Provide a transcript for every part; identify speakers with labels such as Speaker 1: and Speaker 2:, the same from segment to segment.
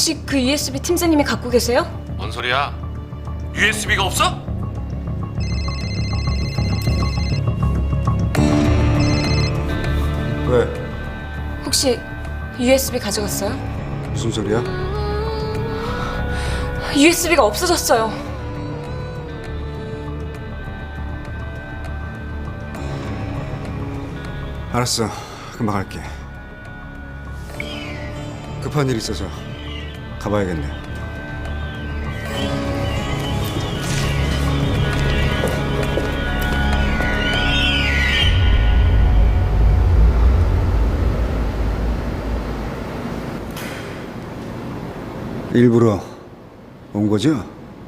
Speaker 1: 혹시 그 USB 팀장님이 갖고 계세요?
Speaker 2: 뭔 소리야? USB가 없어?
Speaker 3: 왜?
Speaker 1: 혹시 USB 가져갔어요?
Speaker 3: 무슨 소리야?
Speaker 1: USB가 없어졌어요.
Speaker 3: 알았어, 금방 갈게. 급한 일 있어서 가봐야겠네. 일부러 온 거죠?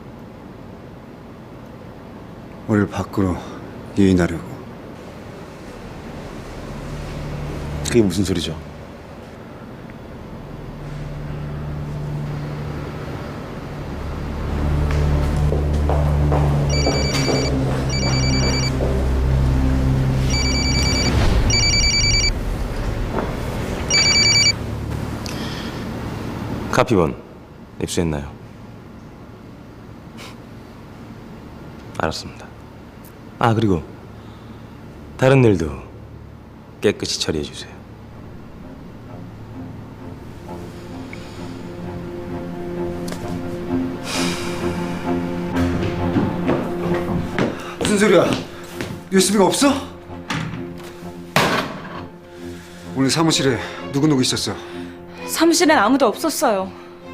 Speaker 3: 우리를 밖으로 유인하려고.
Speaker 4: 그게 무슨 소리죠? 카피본 입수했나요? 알았습니다. 아, 그리고 다른 일도 깨끗이 처리해 주세요.
Speaker 3: 무슨 소리야? USB가 없어? 오늘 사무실에 누구 있었어?
Speaker 1: 사무실엔 아무도 없었어요.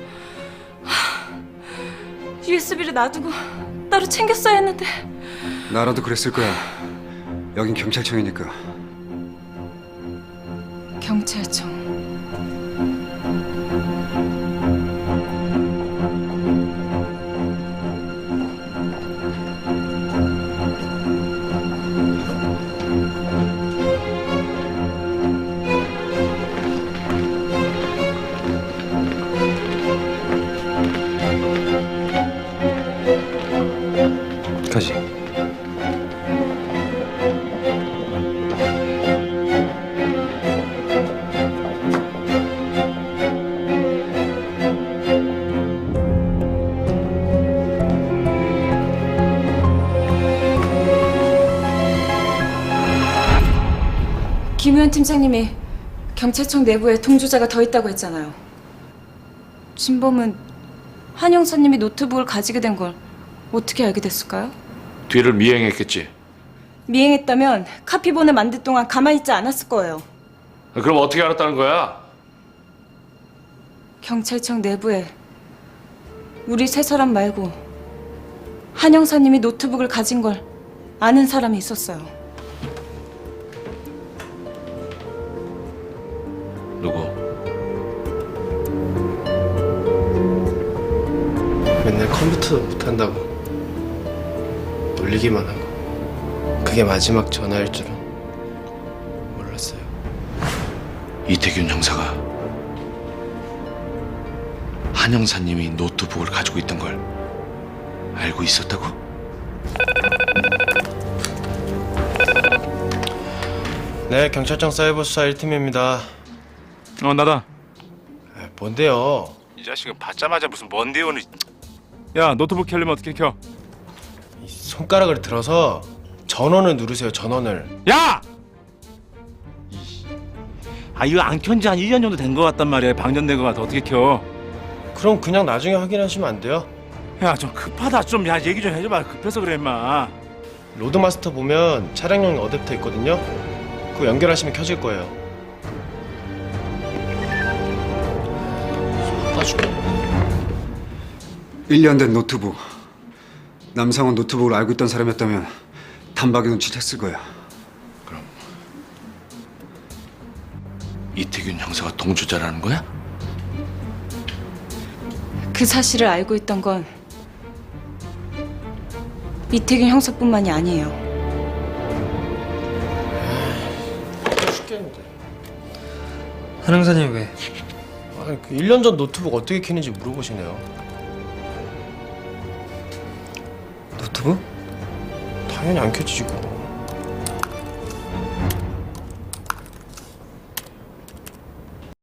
Speaker 1: USB를 놔두고 따로 챙겼어야 했는데.
Speaker 3: 나라도 그랬을 거야. 여긴 경찰청이니까.
Speaker 1: 경찰청.
Speaker 4: 가지.
Speaker 1: 김의원 팀장님이 경찰청 내부에 동조자가 더 있다고 했잖아요. 진범은 한 형사님이 노트북을 가지게 된 걸 어떻게 알게 됐을까요?
Speaker 2: 뒤를 미행했겠지.
Speaker 1: 미행했다면 카피본을 만들 동안 가만히 있지 않았을 거예요.
Speaker 2: 그럼 어떻게 알았다는 거야?
Speaker 1: 경찰청 내부에 우리 세 사람 말고 한 형사님이 노트북을 가진 걸 아는 사람이 있었어요.
Speaker 2: 누구?
Speaker 5: 맨날 컴퓨터도 못한다고 놀리기만 하고 그게 마지막 전화일 줄은 몰랐어요.
Speaker 2: 이태균 형사가 한 형사님이 노트북을 가지고 있던 걸 알고 있었다고?
Speaker 5: 네, 경찰청 사이버 수사 1팀입니다.
Speaker 6: 나다.
Speaker 5: 뭔데요?
Speaker 6: 이 자식은 받자마자 무슨 뭔데 오늘. 야, 노트북 켜려면 어떻게 켜?
Speaker 5: 손가락을 들어서 전원을 누르세요. 전원을.
Speaker 6: 야! 이거 안 켠지 한 1년 정도 된 거 같단 말이야. 방전된 거 같아. 어떻게 켜?
Speaker 5: 그럼 그냥 나중에 확인하시면 안 돼요?
Speaker 6: 야, 좀 급하다. 좀 야, 얘기 좀 해줘봐. 급해서 그래, 임마.
Speaker 5: 로드마스터 보면 차량용 어댑터 있거든요. 그거 연결하시면 켜질 거예요. 바꿔줄게.
Speaker 3: 1년 된 노트북. 남상원 노트북을 알고 있던 사람이었다면 단박에 눈치챘을 거야.
Speaker 2: 그럼 이태균 형사가 동조자라는 거야?
Speaker 1: 그 사실을 알고 있던 건 이태균 형사뿐만이 아니에요.
Speaker 5: 죽겠는데.
Speaker 7: 한 형사님 왜?
Speaker 5: 아니, 그 1년 전 노트북 어떻게 켜는지 물어보시네요.
Speaker 7: 노트북?
Speaker 5: 당연히 안 켜지지 그거.